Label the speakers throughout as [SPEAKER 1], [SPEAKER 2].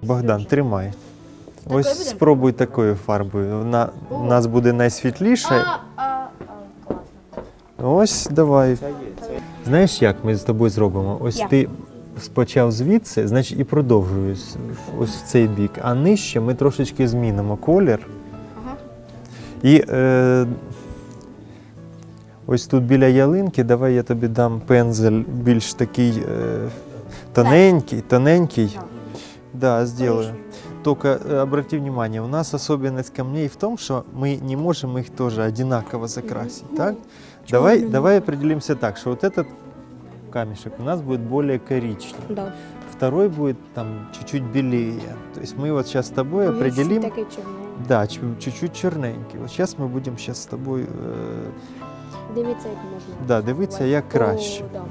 [SPEAKER 1] Богдан, тримай. Ось спробуй такою фарбою. У нас буде найсвітліша. Ось, давай. Знаєш, як ми з тобою зробимо? Ось ти почав звідси, значить і продовжуй ось в цей бік. А нижче ми трошечки змінимо колір. І ось тут біля ялинки, давай я тобі дам пензель більш такий тоненький. Да, сделаю. Только обрати внимание, у нас особенность камней в том, что мы не можем их тоже одинаково закрасить, так? Давай определимся так, что вот этот камешек у нас будет более коричневый.
[SPEAKER 2] Да.
[SPEAKER 1] Второй будет там чуть-чуть белее. То есть мы вот сейчас с тобой определим...
[SPEAKER 2] Такий чорний.
[SPEAKER 1] Да, чуть-чуть черненький. Вот сейчас мы будем сейчас с тобой...
[SPEAKER 2] Дивіться, як можна.
[SPEAKER 1] Да, дивіться, як краще.
[SPEAKER 2] О, да.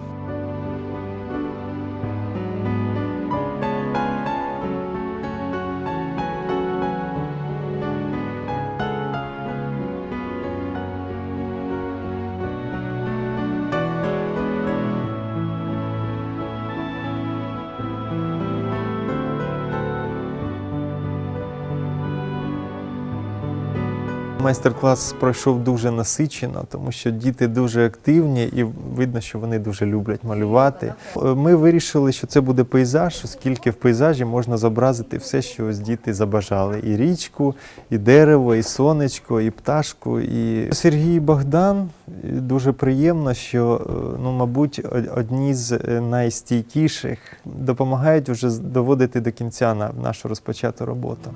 [SPEAKER 1] Майстер-клас пройшов дуже насичено, тому що діти дуже активні і видно, що вони дуже люблять малювати. Ми вирішили, що це буде пейзаж, оскільки в пейзажі можна зобразити все, що ось діти забажали. І річку, і дерево, і сонечко, і пташку. І Сергій і Богдан, дуже приємно, що, мабуть, одні з найстійкіших допомагають вже доводити до кінця нашу розпочату роботу.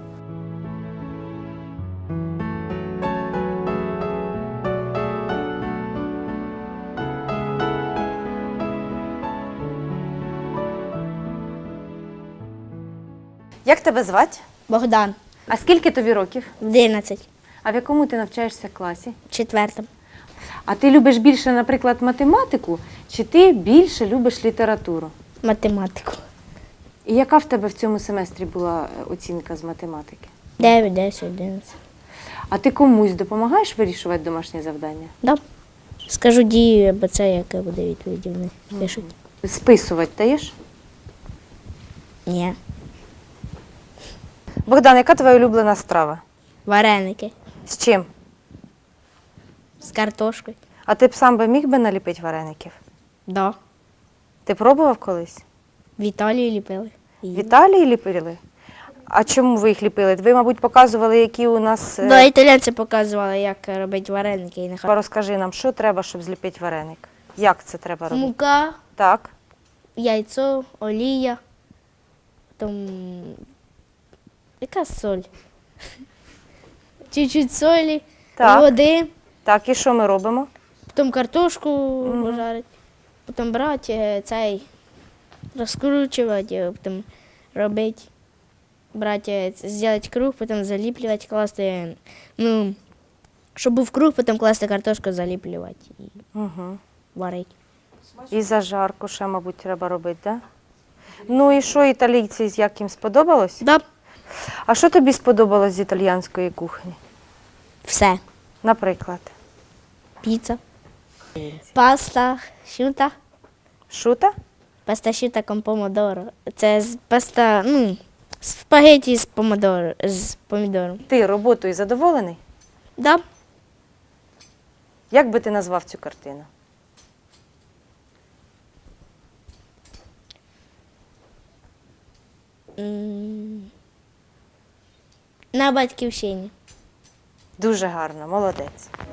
[SPEAKER 3] Як тебе звати?
[SPEAKER 2] Богдан,
[SPEAKER 3] А скільки тобі років?
[SPEAKER 2] 11,
[SPEAKER 3] А в якому ти навчаєшся класі?
[SPEAKER 2] 4.
[SPEAKER 3] А ти любиш більше, наприклад, математику, чи ти більше любиш літературу?
[SPEAKER 2] Математику.
[SPEAKER 3] І яка в тебе в цьому семестрі була оцінка з математики?
[SPEAKER 2] 9, 10, 11.
[SPEAKER 3] А ти комусь допомагаєш вирішувати домашні завдання?
[SPEAKER 2] Да. Скажу дію, або це, яке буде відповіді вони пишуть.
[SPEAKER 3] Списувати даєш?
[SPEAKER 2] Ні.
[SPEAKER 3] Богдан, яка твоя улюблена страва?
[SPEAKER 2] Вареники
[SPEAKER 3] З чим?
[SPEAKER 2] з картошкою.
[SPEAKER 3] А ти б сам би міг би наліпити вареників?
[SPEAKER 2] Да.
[SPEAKER 3] Ти пробував колись?
[SPEAKER 2] В Італії ліпили.
[SPEAKER 3] В Італії ліпили? А чому ви їх ліпили? Ви, мабуть, показували, які у нас...
[SPEAKER 2] Да, італійці показували, як робити вареники. І нехай.
[SPEAKER 3] Розкажи нам, що треба, щоб зліпити вареник? Як це треба робити?
[SPEAKER 2] Мука,
[SPEAKER 3] Так.
[SPEAKER 2] яйцо, олія, потім яка соль? Чуть-чуть солі,
[SPEAKER 3] Так.
[SPEAKER 2] води,
[SPEAKER 3] Так, і що ми робимо?
[SPEAKER 2] потім картошку пожарити, потім брати цей, розкручувати, потім робити, брати, зробити круг, потім заліплювати, класти, щоб був круг, потім класти картошку, заліплювати і
[SPEAKER 3] Угу.
[SPEAKER 2] варити.
[SPEAKER 3] І зажарку ще, мабуть, треба робити, так? Да? Ну і що, італійці, як їм сподобалось?
[SPEAKER 2] Да,
[SPEAKER 3] А що тобі сподобалось з італійської кухні?
[SPEAKER 2] все.
[SPEAKER 3] Наприклад?
[SPEAKER 2] Піца, паста, шута.
[SPEAKER 3] Шута?
[SPEAKER 2] Паста asciutta con помодоро. Це паста, спагеті з помідором.
[SPEAKER 3] Ти роботою задоволений?
[SPEAKER 2] Да.
[SPEAKER 3] Як би ти назвав цю картину?
[SPEAKER 2] На батьківщині.
[SPEAKER 3] Дуже гарно, молодець.